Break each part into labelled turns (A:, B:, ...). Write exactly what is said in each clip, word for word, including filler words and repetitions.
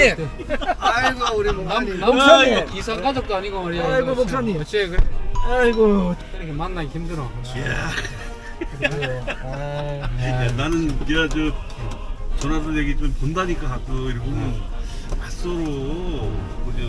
A: 목사님. 아이고 우리 목사님.
B: 목사님. 이상 가족도 아니고 말이야.
A: 아이고 목사님.
B: 어째 그래?
A: 아이고.
B: 이렇게 만나기 힘들어.
C: 야, 나는 네가 저 전화도 얘기 좀 본다니까 가끔 이렇게 보면 맞서로 뭐저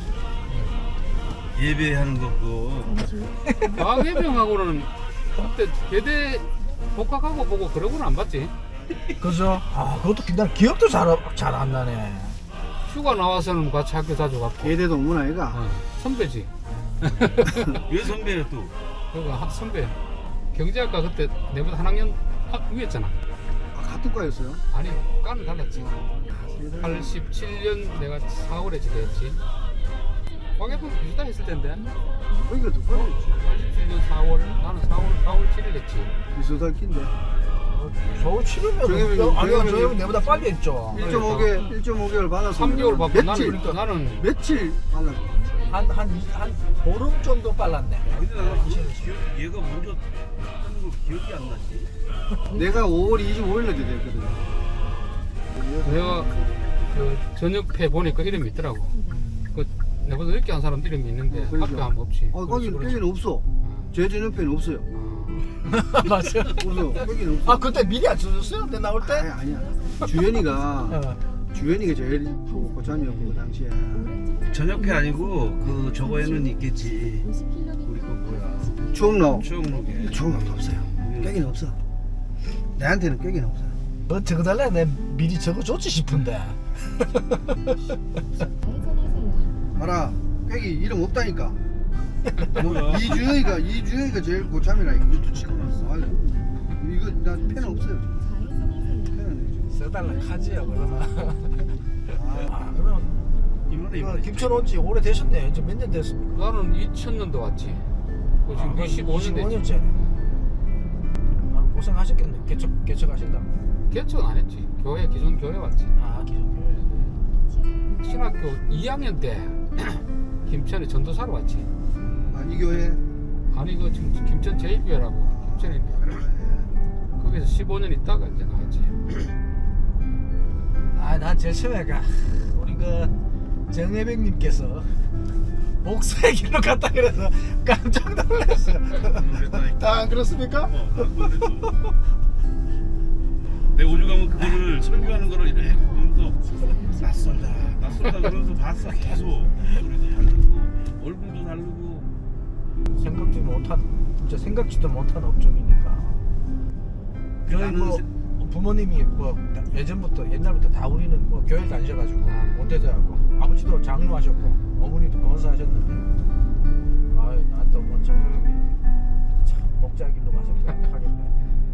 C: 예배하는 것도
B: 과학예병하고는 그때 대대 복학하고 보고 그러고는 안 봤지.
A: 그죠? 아 그것도 난 기억도 잘 잘 안 나네.
B: 휴가 나와서는 같이 학교 자주 갔고.
A: 예대도 없는 아이가.
B: 어, 선배지.
C: 왜 선배야 또?
B: 그러니까 학 선배. 경제학과 그때 내보다 한 학년 앞 위였잖아.
A: 아, 같은 과였어요?
B: 아니 과는 달랐지. 팔십칠 년 내가 사월에 지대했지. 과학예병 비슷하 했을 텐데.
A: 거기가 두 과였지.
B: 팔십칠 년 사월 나는 사월 사월 칠 일 했지.
A: 비슷할 낀데.
D: 서울 치르면
A: 정혜민이-
D: 아니요
A: 정혜민이-
D: 저 형이 내보다 빨리 했죠.
A: 일 점 오 개 일 점 오 개월 받았어.
B: 삼 개월 받고 나는
A: 며칠
B: 그러니까 나는
A: 며칠 받았어.
D: 한한한 보름 정도 빨랐네.
C: 근데 나는 그거 기억, 얘가 먼저 하는 거 기억이 안 나지.
A: 내가 오월 이십오일 날 제대했거든.
B: 내가 그 저녁회 보니까 이름이 있더라고. 그 내보다 늦게 한 사람 이름이 있는데
A: 그러니까.
B: 앞에 한 번 없이.
A: 아 거기
B: 그렇지,
A: 여기는 없어. 제 저녁회는 없어요.
B: 그렇지.
D: 맞아.
A: 없어. 여기는 없어.
D: 아 그때 미리 안 써줬어요? 내 나올 때?
A: 아니, 아니야. 주연이가
D: 어.
A: 주연이가 제일 그 고참이었고 그 당시에.
C: 저녁회 아니고 그 저거에는 있겠지. 우리 거 뭐야?
A: 추억록.
C: 추억록에.
A: 추억록도 없어요. 꾀기는 없어. 내한테는 꾀기는 없어요.
D: 뭐 적어달래 내 미리 적어줬지 싶은데.
A: 봐라. 꾀기 이름 없다니까.
C: 뭐야?
A: 이주영이가 이주영이가 제일 고참이라 이것도 찍어놨어. 아유, 이거 나 펜 없어요. 펜은
D: 써달라 카지야 그러면.
A: 아,
D: 아 그럼
C: 이번에
D: 이거
C: 이번에.
D: 김천 온지 오래 되셨네. 이제 몇 년 됐습니까?
B: 나는 이천 년도 왔지. 그 지금 이십오 년 됐지.
D: 년째. 아 고생하셨겠네. 개척 개척하신다고.
B: 개척은 안 했지. 교회 기존 교회 왔지.
D: 아 기존 교회.
B: 신학교 이 학년 때 김천에 전도사로 왔지.
A: 아, 이 교회.
B: 아니 그 지금 김천 제일교회라고 김천에 있는데
A: 그래.
B: 거기서 십오 년 있다가 이제 나왔지.
D: 아난 제일 처음에 가 우리 그 정혜백님께서 목사의 길로 갔다 그래서 깜짝 놀랐어. 다 안 그렇습니까?
C: 어, 그랬어. 내 오죽 하면 그거를 설교하는 거를 이렇게 보면서 낯설다 낯설다 그러면서 봤어 계속. 소리도 다르고 얼굴도 다르고.
D: 생각지 못한 진짜 생각지도 못한 업종이니까. 저희
C: 나는
D: 뭐
C: 세-
D: 부모님이 뭐 예전부터 옛날부터 다 우리는 뭐 교회 다니셔가지고
B: 아.
D: 원대자하고 아버지도 장로하셨고 어머니도 권사하셨는데 아유 난또 뭐 장로님이 참 목자 길로 가셨다 하겠네.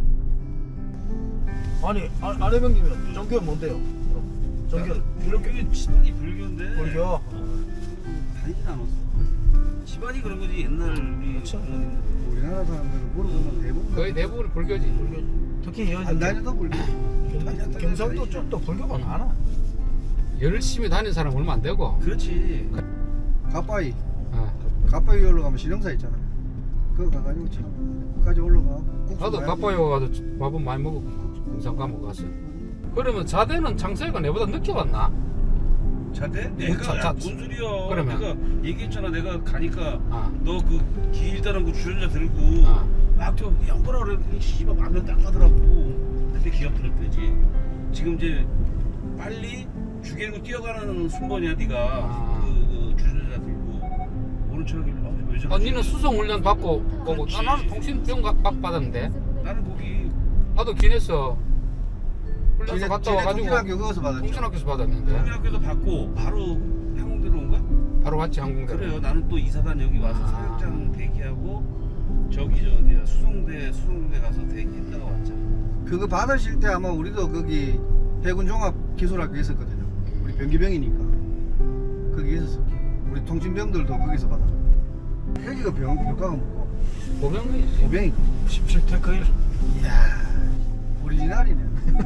D: 아니 아, 아내병님은 종교는 뭔데요? 그럼 종교
C: 불교 집안이 불교인데.
D: 불교.
C: 어, 다니진 않았어. 집안이 그런 거지 옛날 우리
D: 그렇죠.
C: 부모님들.
A: 우리나라 사람들은 물어보면 대부분
B: 거의 대부분 불교지.
D: 불교 특히
A: 안
D: 여기
A: 다녀도 불교.
D: 경- 경상도 쪽도 불교가 많아.
B: 열심히 다니는 사람 얼마 안 되고.
C: 그렇지.
A: 가빠이.
B: 어.
A: 가빠이 올라가면 신흥사 있잖아. 그거 가가지고 참 끝까지 올라가고. 국수
B: 나도
A: 많이
B: 가빠이 와가지고 밥은 많이 먹었고 공산 감옥 갔어. 그러면 자대는 창세가 내보다 늦게 왔나?
C: 자대? 내가
B: 자,
C: 야,
B: 자,
C: 뭔 소리야.
B: 그러면.
C: 내가 얘기했잖아. 내가 가니까
B: 아.
C: 너 그 길다란 거 주전자 들고
B: 아.
C: 막저 양보라 그랬더니 씨발 마음에 딱 가더라고. 그때 기억 들을 때지. 지금 이제 빨리 죽이고 뛰어가는 순번이야 네가.
B: 아.
C: 그, 그 주전자 들고 오는 척하길래 아, 왜 저러지?
B: 언니는 수송 훈련 받고 오고
C: 그렇지.
B: 나- 나는 통신병 가- 박 받았는데
C: 나는 거기
B: 나도 기내서 훈련소
A: 지네-
B: 갔다
A: 지네
B: 와가지고
A: 통신학교 거기서 받았죠.
B: 통신학교에서 받았는데
C: 국민학교에서 받고 바로 항공대로 온 거야?
B: 바로 왔지 항공대.
C: 그래요. 나는 또 이사단 여기 와서
B: 아.
C: 사격장 대기하고 저기 저 어디야 수송대 수송대 가서 대기했다가 왔잖아.
A: 그거 받으실 때 아마 우리도 거기 해군 종합 기술학교 있었거든요. 우리 병기병이니까 거기 있었어. 우리 통신병들도 거기서 받아. 여기가 병 병가가 뭐고
B: 보병이지.
A: 보병이.
D: 십칠 태 거일.
A: 이야 오리지널이네.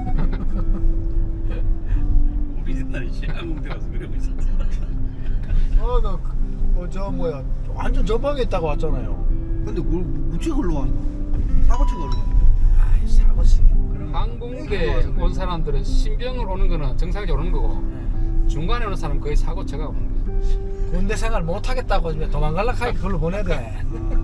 C: 우리 옛날에 항공대 가서 그러고 있었지.
D: 어나뭐저 뭐야 완전 전방에 있다가 왔잖아요.
A: 근데 뭘 우측 흘러왔나? 사고측 흘러왔나?
D: 아이 사고 치기.
B: 항공대 온 사람들은 신병을 오는 거는 정상적으로 오는 거고 중간에 오는 사람 거의 사고 쳐가 오는 거야.
D: 군대 생활 못 하겠다고 이제 도망갈라 하니 그걸로 보내야 돼.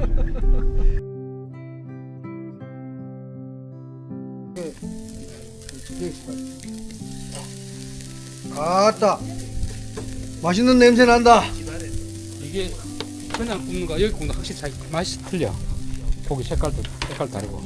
A: 아따 맛있는 냄새 난다.
B: 이게 그냥 굽는 거 여기 굽는 거 확실히 차이 맛이 틀려. 고기 색깔도 색깔 다르고.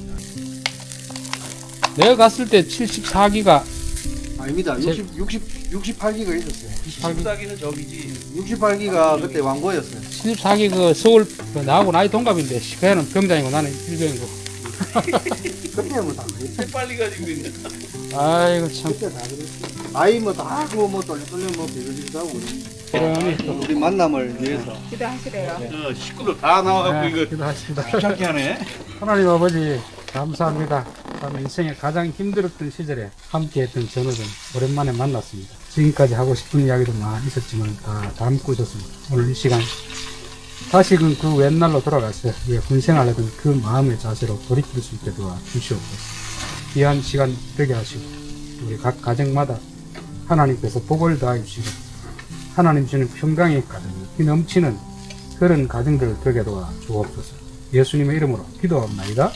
B: 내가 갔을 때 칠십사 기가
A: 아닙니다.
B: 제-
A: 육십, 육십, 육십팔 기가 있었어요.
B: 칠십사 기
C: 는 저기지.
A: 육십팔 기가 그때 왕고였어요.
B: 칠십사 기 그 서울 그 나하고 나이 동갑인데 그 애는 병장이고 나는 일병이고.
A: 그때 뭐다 그랬지.
C: 빨리 가지고 있네.
B: 아이고 참.
A: 그때 다 그랬지. 아이 뭐다 그거 뭐 떨려 떨려 뭐 비교지도 하고
B: 그러니 또
A: 우리 만남을 위해서.
E: 기도하시래요.
C: 어, 식구들 다 나와갖고 이거
B: 기도하십니다.
C: 귀찮게 하네.
B: 하나님 아버지 감사합니다. 저는 인생에 가장 힘들었던 시절에 함께했던 전우들 오랜만에 만났습니다. 지금까지 하고 싶은 이야기도 많이 있었지만 다 담고 있었습니다. 오늘 이 시간 다시금 그 옛날로 돌아가서 예, 군생활하던 그 마음의 자세로 돌이킬 수 있게 도와 주시옵소서. 귀한 시간 되게 하시고 우리 각 가정마다 하나님께서 복을 더해 주시고 하나님 주는 평강의 가정, 이 넘치는 그런 가정들을 되게 도와 주옵소서. 예수님의 이름으로 기도합니다.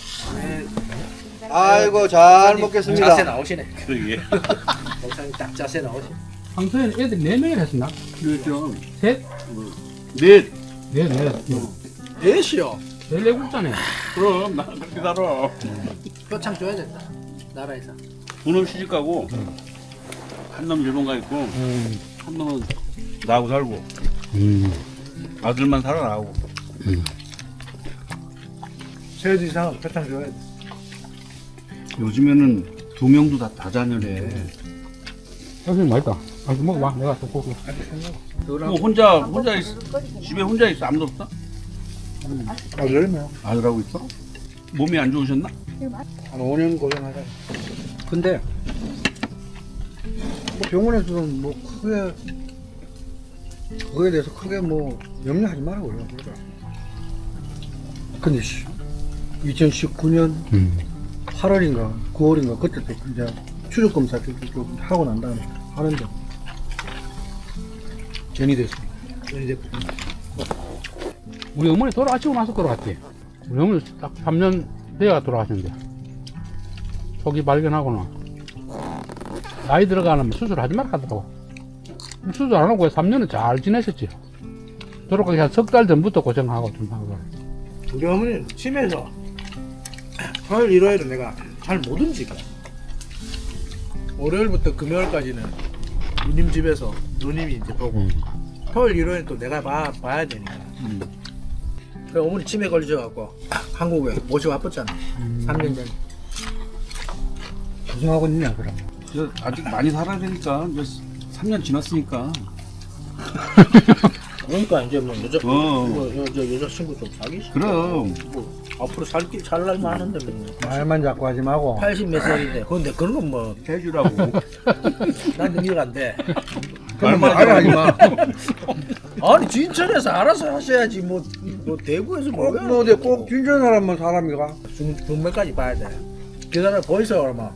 A: 아이고 잘 먹겠습니다.
D: 자세 나오시네.
C: 그러게.
D: 목사님 딱 자세 나오시네.
B: 평소에는 애들 네 명이나 했었나?
C: 그렇죠.
B: 셋?
C: 넷.
B: 네, 네.
D: 넷이요.
B: 열네 국자네.
C: 그럼 나 그렇게 살아.
D: 표창 줘야 된다. 나라에서.
C: 두놈 시집 가고 한 놈 일본 가 있고
B: 음.
C: 한 놈은 나하고 살고
B: 음.
C: 아들만 살아나고.
D: 세지 이상 표창 줘야 돼.
C: 요즘에는 두 명도 다 다자녀래.
B: 선생님 맛있다. 아, 좀 먹어봐. 내가 또 고기.
C: 뭐 혼자 혼자 있, 집에 혼자 있어 아무도 없어?
D: 아 그러면
C: 아들하고 있어? 몸이 안 좋으셨나?
A: 한 오 년 고생하자. 근데 뭐 병원에서는 뭐 크게 그거에 대해서 크게 뭐 염려하지 말라고 그래요. 근데 씨, 이천십구 년
B: 음.
A: 팔월인가 구월인가 그때 또 이제 추적 검사 좀 하고 난 다음에 하는데 전이 됐습니다.
D: 이제
B: 우리 어머니 돌아가시고 나서 돌아갔지. 우리 어머니 딱 삼 년 돼야 돌아가셨는데. 초기 발견하고는 나이 들어가면 수술하지 말라 하더라고. 수술 안 하고 삼 년은 잘 지내셨지. 돌아가기 한 석 달 전부터 고생하고 좀 하고.
D: 우리 어머니 치매에서 화요일 일요일은 내가 잘 못 움직여. 월요일부터 금요일까지는 누님 집에서 누님이 이제 보고
B: 음.
D: 토요일 일요일 또 내가 봐, 봐야 되니까.
C: 음.
D: 그래 어머니 치매 걸리셔갖고 한국에 모시고 왔었잖아. 삼 년 전에.
A: 고생하고 있냐 그러면.
C: 저 아직 많이 살아야 되니까 이제 삼 년 지났으니까.
D: 그러니까 이제 뭐 여자
C: 어.
D: 뭐 여, 저 여자친구 좀 사귀시.
C: 그럼.
D: 뭐 앞으로 살길 살 날만 하는데 뭐.
A: 말만 자꾸 하지 말고.
D: 팔십 몇 살인데 근데 그런 건 뭐
C: 해주라고.
D: 난 이해가 안 돼.
C: 말만
A: 말을 하지 마.
D: 아니 진천에서 알아서 하셔야지 뭐, 뭐 대구에서 뭐
A: 꼭 뭐, 꼭 진전 사람만 사람이가.
D: 중, 중매까지 봐야 돼. 그 사람 보이세요 얼마?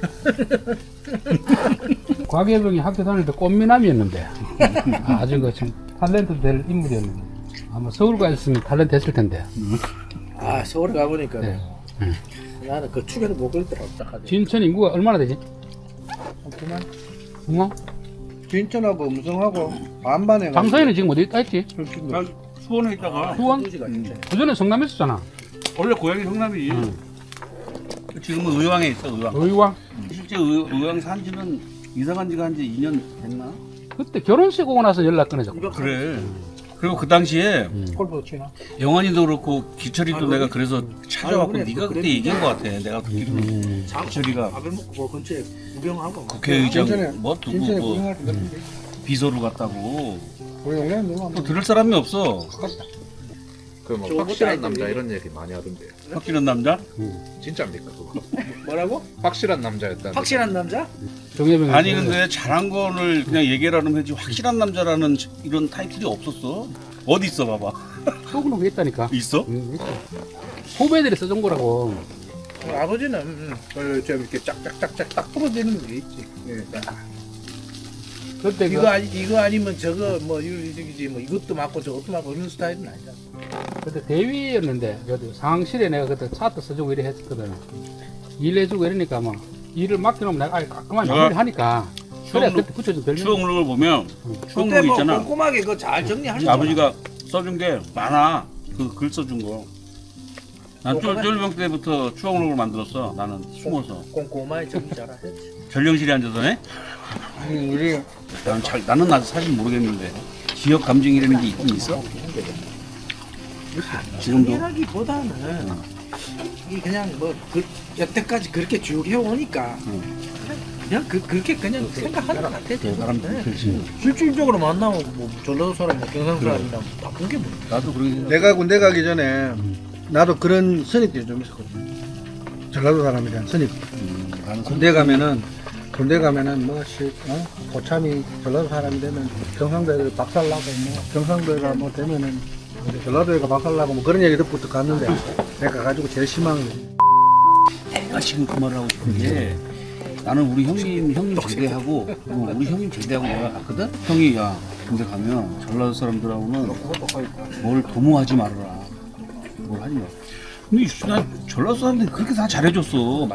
B: 곽예병이 학교 다닐 때 꽃미남이었는데 아주 그 참 탤런트 될 인물이었는데 아마 서울 가 있으면 탤런트 했을 텐데.
D: 아 서울에 가보니까
B: 네.
D: 나는 그 축에도 못 걸더라고 딱 하지.
B: 진천 인구가 얼마나 되지?
A: 그만.
B: 응?
A: 진천하고 음성하고 반반에.
B: 장서희는 지금 어디 있다 했지?
C: 난 수원에 있다가
B: 수원?
D: 도시가 진짜.
B: 그 전에 성남에 있었잖아.
C: 원래 고향이 성남이지.
B: 응.
C: 지금은 의왕에 있어 의왕.
B: 의왕.
C: 실제 의, 의왕 산지는 이사간 지가 한 지 이 년 됐나?
B: 그때 결혼식 오고 나서 연락 끊어졌고.
D: 이거
C: 그래. 그리고 그 당시에
D: 골프 치나?
C: 영환이도 그렇고 기철이도
D: 아이고,
C: 내가 그래서 찾아왔고
D: 그래,
C: 네가
D: 그래.
C: 그때 얘기한 것 같아. 내가 듣기로는
B: 음.
C: 기철이가
D: 밥을 먹고 그 근처에 구경하고
C: 국회의장
A: 진천에
C: 뭐 누구
A: 진천에
C: 뭐
A: 고생할 것 같은데.
C: 비서로 갔다고.
A: 우리 동네에 누가
C: 또 들을 사람이 없어.
F: 그 뭐
D: 저거
F: 확실한
D: 딸들이-
F: 남자 이런 얘기 많이 하던데요.
C: 확실한 남자?
F: 진짜입니까 그거?
D: 뭐라고?
F: 확실한 남자였다.
D: 확실한 남자?
B: 정예병이.
C: 아니 근데 잘한 거를 그냥 얘기하라면 하지 확실한 남자라는 이런 타이틀이 없었어. 어디 있어 봐봐.
B: 속으로 했다니까.
C: 있어?
B: 응, 있어. 후배들이 써준 거라고.
D: 아버지는 음, 그, 좀 이렇게 짝짝짝짝 딱 부러지는 게 있지. 예, 딱.
B: 그때
D: 이거
B: 그,
D: 아니 이거 아니면 저거 뭐 이거 저기지 뭐 이것도 맞고 저것도 맞고 이런 스타일은 아니잖아.
B: 그때 대위였는데 그래도 상황실에 내가 그때 차트 써주고 이래 했었거든. 일해주고 이러니까 뭐 일을 맡겨놓으면 내가 아예 깔끔하게
C: 내가
B: 마무리 하니까 그래
C: 추억록-
B: 그때 붙여준 별명.
C: 추억록을 보면
D: 그때
C: 추억록
D: 뭐
C: 있잖아.
D: 꼼꼼하게 그거 잘 정리하는
C: 아버지가 써준 게 많아. 그 글 써준 거. 난 쫄- 쫄병 때부터 추억록을 만들었어. 나는 숨어서
D: 꼼꼼하게 정리 잘하지.
C: 전령실에 앉아서 해.
A: 아니 우리
C: 나는 잘 나는 아직 사실 모르겠는데 기억 감정이라는 게 있긴 있어. 지금도
D: 정리하기보다는 이 그냥 뭐 그, 여태까지 그렇게 쭉 해오니까 그냥 그 그렇게 그냥 생각하는 것 같아.
C: 그 사람
D: 네.
C: 그렇지.
D: 실질적으로 만나면 뭐 전라도 사람, 뭐 경상 사람이랑 바쁜 게 뭐.
C: 나도 그러게.
A: 내가 군대 가기 전에 나도 그런 선입견이 좀 있었거든. 전라도 사람에 대한 선입.
C: 음, 나는
A: 군대 가면은 군대 가면은 뭐시 어? 고참이 전라도 사람이 되면 경상도에 박살나고 뭐 경상도가 뭐 되면은 전라도에가 박살나고 뭐 그런 얘기 듣고부터 갔는데 내가 가지고 제일 심한 게
C: 내가 지금 그 말을 하고 싶은 게 나는 우리 형님 형님 제대하고 어, 우리 형님 제대하고 내가 갔거든. 형이 야 군대 가면 전라도 사람들하고는 뭘 도모하지 말아라. 뭘 하지 마. 근데 난 전라도 사람들이 그렇게 다 잘해줬어.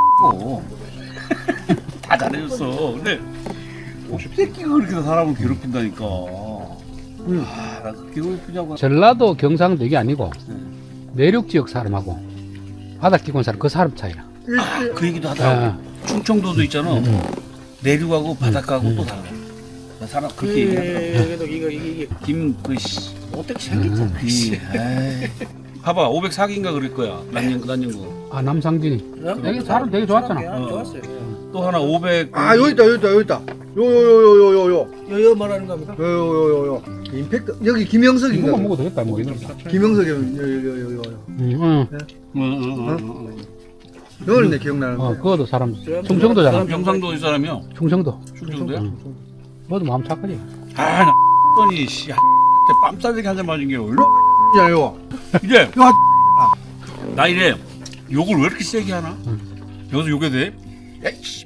C: 다 잘해줬어. 근데 새끼가 그렇게 사람을 괴롭힌다니까. 아, 나 그렇게 괴롭히냐고.
B: 전라도 경상도 이게 아니고
C: 네.
B: 내륙 지역 사람하고 바닥 기본 사람 그 사람 차이라.
C: 그 얘기도 하더라고.
B: 아,
C: 충청도도 있잖아.
B: 음.
C: 내륙하고 바닷가하고
B: 음.
C: 또 달라. 나 사람 그렇게 얘기하더라고.
D: 그래도 이거 이게 이게
C: 김그 씨.
D: 어떻게 생겼잖아.
C: 이, 에이. 봐봐 오백사 기인가 그럴 거야. 난연 난연구.
B: 아 남상진이 되게 사람 되게 좋았잖아.
C: 어.
D: 좋았어요.
C: 또 하나 오백.
A: 아 여기 있다 여기 있다 여기 있다 요요요요요요
D: 여여 말하는 겁니까?
A: 요요요요요 임팩트 여기 김영석인가
B: 이거만 먹어도 되겠다 뭐 이런 거.
A: 김영석이 요요요요요
B: 음, 응.
C: 응응응.
A: 너는 내 기억나는데
B: 어 그거도 사람 충청도잖아.
C: 경상도 사람이야.
B: 충청도.
C: 충청도야?
B: 너도 마음 착하지.
C: 아, 나 뻔히 씨. 뺨 싸대기 한 잔 맞은 게 얼마?
A: 야요
C: 이제 나 이래 욕을 왜 이렇게 세게 하나? 여기서 욕해도 돼? 야이 씨.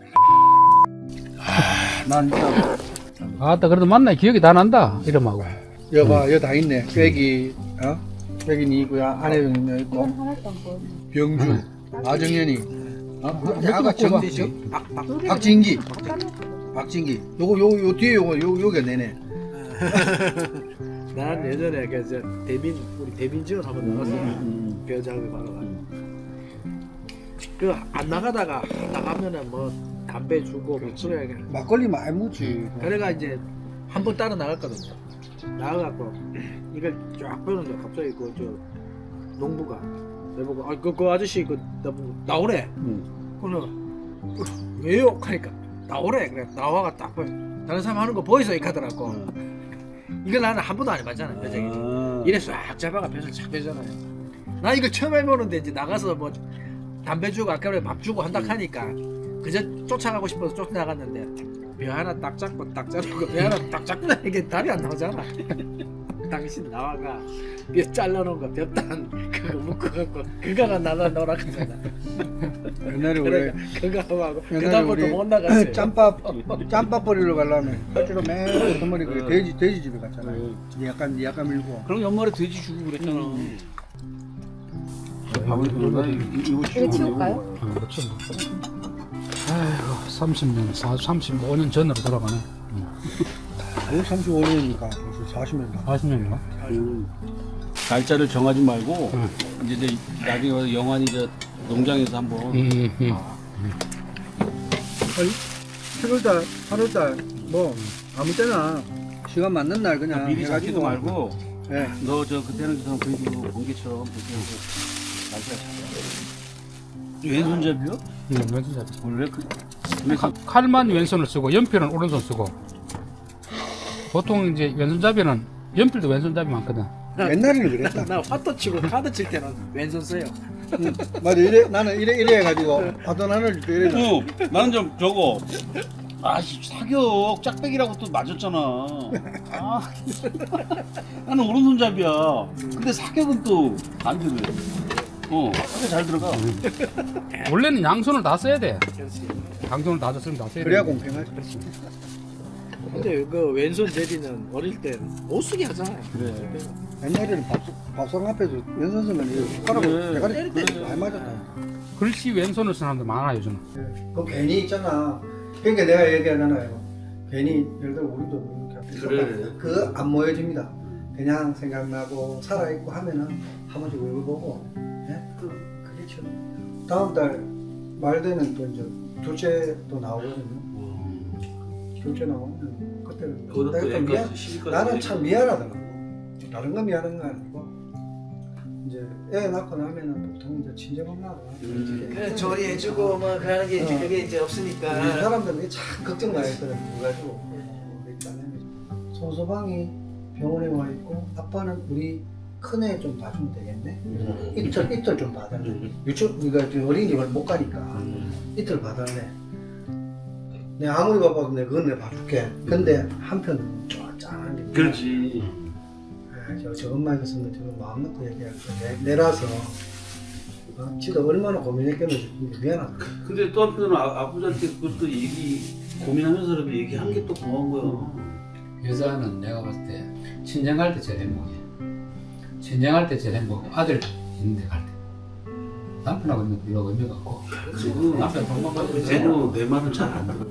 C: 아, 난 진짜
B: 아따 그래도 만나 기억이 다 난다 이름하고.
A: 여봐 여기 다 있네 꾀기 어? 꾀기 니고야 안혜정 있고 병준 아정연이 어? 아가 정대식 박진기 박진기 요거 요거 요 뒤에 요거 요 요게 내네
D: 난 예전에 그저 대빈 우리 대빈 지원 한번 나갔어. 배우자를 바로 가. 그안 나가다가 나가면은 뭐 담배 주고 그래.
A: 막걸리 많이 묻지
D: 그래가 이제 한 번 따라 나갔거든요. 나가갖고 이걸 쫙 빼는데 갑자기 그 저 농부가 내보고 아그 그 아저씨 그 나보고 나오래. 그러면 왜요? 하니까 나오래. 그래 나와가 딱 봐. 다른 사람 하는 거 보이소 이 하더라고. 이걸 나는 한 번도 안 해봤잖아. 배정이지. 이래 싹 잡아가 벼슬 착 빼잖아요. 나 이걸 처음 해보는데 이제 나가서 뭐 담배 주고 아까 전에 밥 주고 한다 하니까 그저 쫓아가고 싶어서 쫓아나갔는데 벼 하나 딱 잡고 딱 자르고 벼 하나 딱 잡고 이게 답이 안 나오잖아. 당신 나와가 벼 잘라놓은 거 벼단 그거 묶어갖고 그거가 나나 너라 그러잖아.
A: 옛날에
D: 그래
A: 우리
D: 그거 하고
A: 옛날에
D: 그다음부터
A: 우리
D: 못 나갔어요.
A: 짬밥 짬밥 버리러 가려면 실제로 맨 선물이 그 돼지 돼지 집에 갔잖아 약간 약간 밀고
C: 그럼 연말에 돼지 주고 그랬잖아. 밥을 그러다 이거
E: 이거 치울까요?
B: 어, 그렇죠. 아이고 삼십 년, 삼십오 년 전으로 돌아가네.
A: 뭐 삼십오 년이니까 벌써 사십 년 다.
B: 사십 년인가?
C: 날짜를 정하지 말고
B: 응.
C: 이제 이제 나중에 와서 영환이 저 농장에서 한번
B: 음, 음.
A: 칠월달, 팔월달 뭐 아무 때나 시간 맞는 날 그냥
C: 미리 잡지도 말고
A: 예.
C: 너 저 그때는 좀 그래도 번개처럼 그렇게 하고 날짜 잡아. 왼손잡이요?
B: 음, 왼손잡이.
C: 원래 그
B: 칼- 칼만 왼손을 쓰고 연필은 오른손 쓰고. 보통 이제 왼손잡이는 연필도 왼손잡이 많거든.
A: 옛날에는 그랬다.
D: 나 화도 치고 카드 칠 때는 왼손 써요.
A: 응. 맞아 이래 나는 이래 이래 해가지고 파도 하나를 또 이래.
C: 어, 나는 좀 저거 아씨 사격 짝배기라고 또 맞았잖아. 아, 나는 오른손잡이야. 근데 사격은 또 반대로 해. 어, 사격 잘 들어가.
B: 원래는 양손을 다 써야 돼.
D: 그렇지.
B: 양손을 다 썼으면 다 써야 돼.
A: 그래야 공평하지.
D: 근데 그 왼손 제리는 어릴 때 못 쓰게 하잖아요.
A: 그래. 옛날에는 밥, 밥상 앞에서 왼손 쓰면 이거 손가락으로 대가리
D: 때릴 때
A: 많이 맞았다.
B: 글씨 왼손을 쓰는 사람들 많아요, 요즘.
A: 그 괜히 있잖아. 그러니까 내가 얘기하잖아요. 괜히 예를 들어 우리도 이렇게
C: 그래.
A: 그거 안 모여집니다. 그냥 생각나고 살아있고 하면은 한 번씩 얼굴 보고 예? 그, 그게 참 다음 달 말 되는 또 이제 둘째 또 나오거든요. 둘째 나오면 그때는
C: 그것도
A: 내가 미안,
C: 약간 시기까지
A: 나는 참 미안하더라고. 다른 건 미안한 거 아니고 이제 애 낳고 나면은 보통 이제 친정엄마가
C: 음.
D: 그래 조리해주고 뭐 그러는 게 이제
A: 어.
D: 그게 이제 없으니까.
A: 우리 사람들은 이게 참 걱정 많이 했거든. 그래가지고 일단은 손소방이 병원에 와 있고 아빠는 우리 큰애 좀 봐주면 되겠네.
C: 음.
A: 이틀 이틀 좀 봐달래.
C: 음.
A: 유치원 그러니까 어린이집을 못 가니까 이틀 봐달래. 내가 아무리 바빠도 내가 그건 내가 봐줄게. 근데 한편 좀 짠한 게
C: 그렇지.
A: 아, 저, 저 엄마 있었으면 지금 마음 놓고 얘기할 거 내, 내라서 어, 지도 얼마나 고민했겠는지 미안하다.
C: 근데 또 한편으로는 아, 아버지한테 그것도 얘기 고민하면서라도 얘기한 게 또 고마운 거야.
B: 여자는 내가 봤을 때 친정 갈 때 제일 행복해. 친정 갈 때 제일 행복해. 아들 있는데 갈 때. 남편하고 있는 별로 의미가 없고.
C: 지금
B: 남편 돈만 받으면
C: 쟤는 내 말은 잘 안 들어.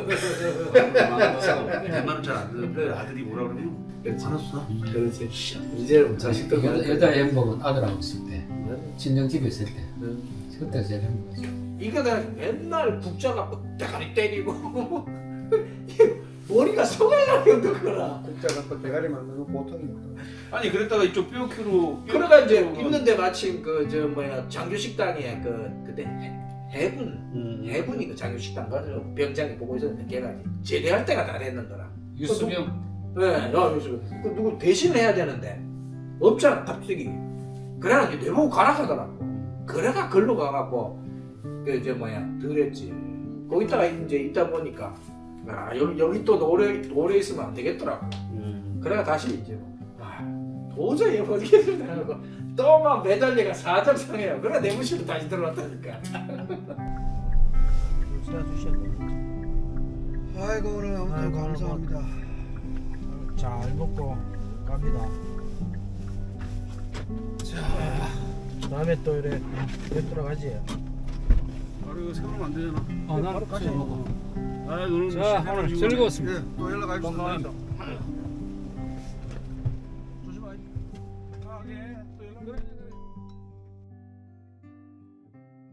C: 내 말은 잘 안 듣는데 아들이 뭐라 그러면 알았어.
D: 그렇지. 이제 자식도
B: 여자, 여자의 행복은 아들하고 있을 때, 친정 집에 있을 때, 그때 제일 행복하죠.
D: 이거는 맨날 국자가 대가리 때리고 머리가 속알나게 흔들거라.
A: 국자 갖고 대가리 만드는 거 보통이거든.
C: 아니 그랬다가 이쪽 뼈키로
D: 그러가 이제 있는데 마침 그 저 뭐야 장교 식당에 그 그때 해- 해군
C: 음.
D: 해군이 그 장교 식당 가서 병장이 보고 있었는데 걔가 이제 제대할 때가 다 됐는 거라.
B: 유수병.
D: 네, 야, 그래서 그 누구 대신을 해야 되는데 없잖아 갑자기. 그래가 이제 내보고 가라 하더라고. 그래가 걸로 가갖고 그 저 뭐야 들었지. 거기다가 이제 있다 보니까 아 여기 여기 또 오래 오래 있으면 안 되겠더라고.
C: 음.
D: 그래가 다시 이제 아 도저히 어디겠습니다 하고 또막 매달려가 사정상해요. 그래 내무실로 다시 들어왔다니까.
A: 아이고 오늘 아무튼
D: 아이고,
A: 감사합니다.
D: 잘 먹고 갑니다. 자, 다음에 또 이래 뵙도록 하지.
C: 바로 이거 세우면 안 되잖아.
B: 어, 난
A: 바로 가시.
C: 아 오늘
B: 자, 오늘 즐거웠습니다.
A: 예, 또 연락하십시오.
B: 건강합니다.
A: 조심하세요. 아, 예, 또 연락.